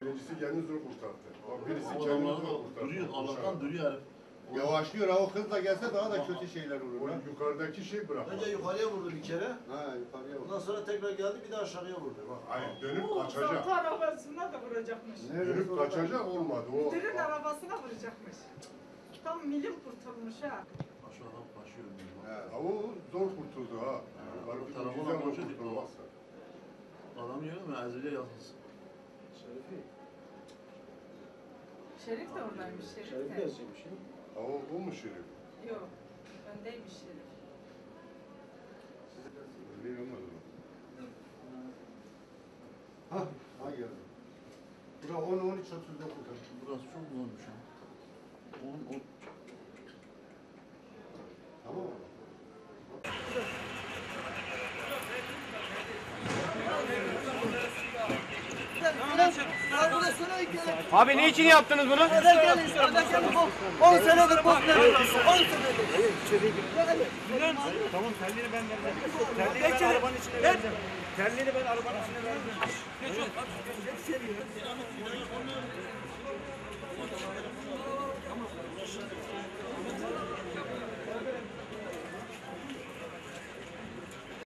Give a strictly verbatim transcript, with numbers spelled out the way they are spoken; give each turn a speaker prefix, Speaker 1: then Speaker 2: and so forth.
Speaker 1: Birincisi kendini zor kurtardı. Bak birisi
Speaker 2: O
Speaker 1: kendini
Speaker 2: adamlar
Speaker 1: zor
Speaker 2: da
Speaker 1: kurtardı.
Speaker 2: duruyor, Allah'tan duruyor herif.
Speaker 3: Yavaşlıyor ha, o hızla gelse daha da kötü şeyler olur.
Speaker 1: O
Speaker 3: Ha?
Speaker 1: yukarıdaki şey bırakmadı.
Speaker 4: Önce yukarıya vurdu bir kere.
Speaker 3: Ha yukarıya bak.
Speaker 4: Ondan sonra tekrar geldi bir de aşağıya vurdu. Bak.
Speaker 1: Hayır dönüp
Speaker 5: Bu
Speaker 1: kaçacak.
Speaker 5: uzantı arabasına da vuracakmış.
Speaker 1: Dönüp kaçacak olmadı. O
Speaker 5: Müdürün arabasına vuracakmış. Tam milim kurtulmuş ha.
Speaker 2: Şu adam kaçıyor.
Speaker 3: He.
Speaker 1: Ha, o zor kurtuldu ha. Var bir
Speaker 2: Tarafına
Speaker 1: güzel o
Speaker 2: koşuyor,
Speaker 1: kurtulmazsa.
Speaker 2: Adam yiyor mu? Ezile yazılsın.
Speaker 5: Şerif de oradaymış. Şerif,
Speaker 4: Şerif
Speaker 5: de.
Speaker 4: de yazıyormuş ya.
Speaker 1: Ha, o, o mu Şerif?
Speaker 5: Yok. Öndeymiş Şerif.
Speaker 1: Öyle olmadı mı?
Speaker 3: Ha, ha geldi. Bura on on üç otuz dokuz.
Speaker 2: Burası çok zormuş ha. on, on.
Speaker 3: Tamam mı?
Speaker 6: Abi ne için yaptınız bunu?
Speaker 7: on senedir bok veriyoruz. on senedir.
Speaker 6: Tamam telleri ben vereceğim. Telleri ben arabanın içine vereceğim. Telleri ben arabanın içine vereceğim. Geç ol. Geç seriyor.